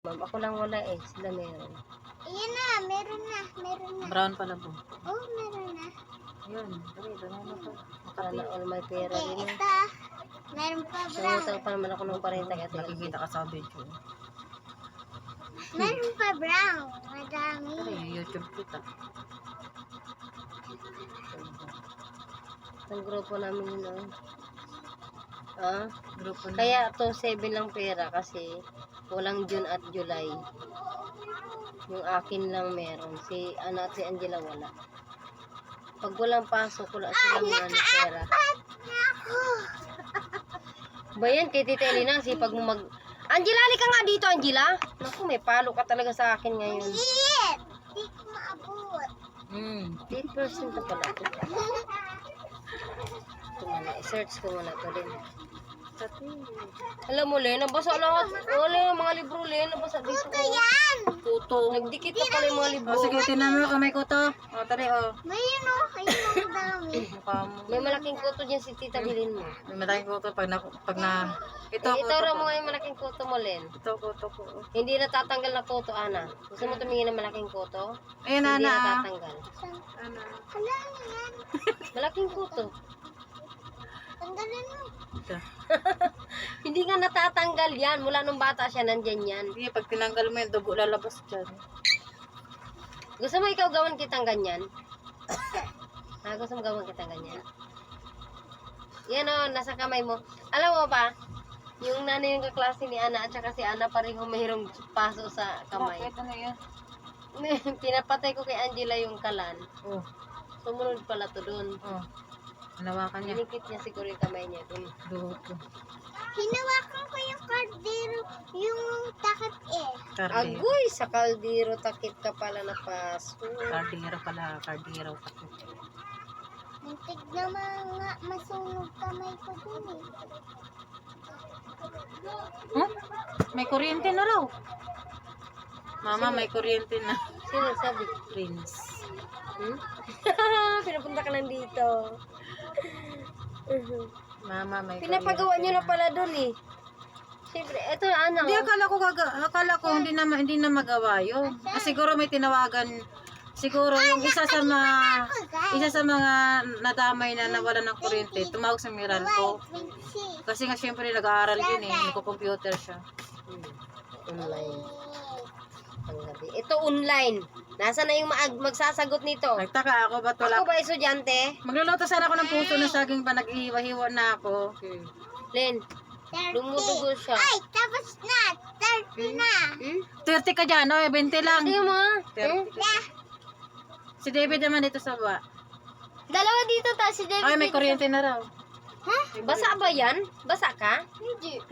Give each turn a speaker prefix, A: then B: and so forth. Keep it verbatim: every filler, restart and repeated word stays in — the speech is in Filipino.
A: Ma'am, ako lang wala eh. Sila meron.
B: Ayan na, meron na, meron na.
C: Brown pala po.
B: Oh, meron na.
C: Yun, dali, dali mo to.
A: Sana all my pera
B: Okay,
A: din eh.
B: ito. Meron pa brown.
A: Sumutang pa naman ako ng parenta kaya
C: Nakikita ka sa video.
B: Meron pa brown. Madami.
C: Dali, YouTube kita.
A: Ang grupo namin yun oh. Ah,
C: Grupo na.
A: kaya to seven lang pera kasi walang June at July. Yung akin lang meron. Si Ana at si Angela wala. Pag walang pasok, wala silang ano, pera.
B: Ako.
A: Ba yan, kay Tita Elena, sipag mo mag... Angela, halika nga dito, Angela. Naku, may palo ka talaga sa akin ngayon.
B: Liit. Di ko maabot.
C: Hmm.
A: eight percent na pala ito. Ito muna, i-search ko muna ito din. Alam mo, Len, nabasa lahat. Wala yung mga libro, Len, nabasa dito.
B: Ito yan.
A: Kuto. Nagdikit na pala yung mga libro.
C: O, sige, tinan mo kung may kuto. O, tari, o.
B: Mayroon o. Ayun ang dami.
C: Mukha mo.
A: May malaking kuto dyan si Tita, bilhin mo.
C: May malaking kuto pag na... Pag na ito,
A: Eh,
C: kuto
A: ito
C: ko.
A: mo nga yung malaking kuto mo, Len.
C: Ito, kuto ko.
A: Hindi natatanggal na kuto, Ana. Gusto mo tumingin ng malaking kuto?
C: Ayun,
A: Hindi
C: Ana. ah.
A: natatanggal.
C: Ana.
B: Hala, yan.
A: Malaking kuto.
B: Tanggalin mo.
C: Ito.
A: Hindi nga natatanggal yan. Mula nung bata siya, nandyan yan.
C: Sige, pag tinanggal mo yung dugo lalabas dyan.
A: Gusto mo ikaw gawan kitang ganyan? Ha, gusto mo gawan kitang ganyan? Yan o, nasa kamay mo. Alam mo ba, yung nanay yung kaklase ni Ana at saka si Ana pareho mayroong paso sa kamay.
C: Bakit? Ano yan?
A: Pinapatay ko kay Angela yung kalan.
C: Oh,
A: Sumunod pala to dun.
C: oh. Hinawakan niya.
A: Dinikit niya siguro yung kamay niya dun.
C: Dugo ko.
B: Hinawakan ko yung kardero, yung takip eh.
C: Kardero.
A: Agoy, sa kaldero takip ka pala na paso.
C: Kardero pala. Kardero.
B: Muntik na mga masunog kamay ko dun eh.
C: Huh? May kuryente na raw. Mama, may kuryente na.
A: Sino sabi?
C: Prince.
A: Hmm? Pinapunta ka lang dito.
C: Mama, may
A: Pinapagawa
C: kuryente
A: nyo na pala dun eh. Siyempre, eto ano.
C: Hindi, akala ko, gaga, akala ko hindi na, ma- hindi na magawa yun. Ah, siguro may tinawagan. Siguro yung isa sa mga isa sa mga nadamay na nawala ng kuryente, tumawag sa Meralco.
B: Princess.
C: Kasi nga syempre nag-aaral yun eh, nagko-computer siya.
A: Hmm. Online. Ang gabi. Ito online. Nasaan na yung maag magsasagot nito?
C: Nagtaka ako, ba't wala?
A: Ako ba estudyante?
C: Magluluto sana ako ng puso ng saging pa, nag-ihiwa-hiwa na ako.
A: Hmm. Len,
B: thirty.
A: dumudugo siya.
B: Ay, tapos na. thirty na.
A: Hmm?
C: thirty ka dyan, oy, twenty lang.
A: Tingnan mo ah.
C: thirty.
B: Yeah.
C: Si David naman dito sa baba.
B: Dalawa dito ta si David.
C: Ay, may kuryente na raw.
B: Ha?
A: Basa ba yan? Basa ka?
B: Hindi.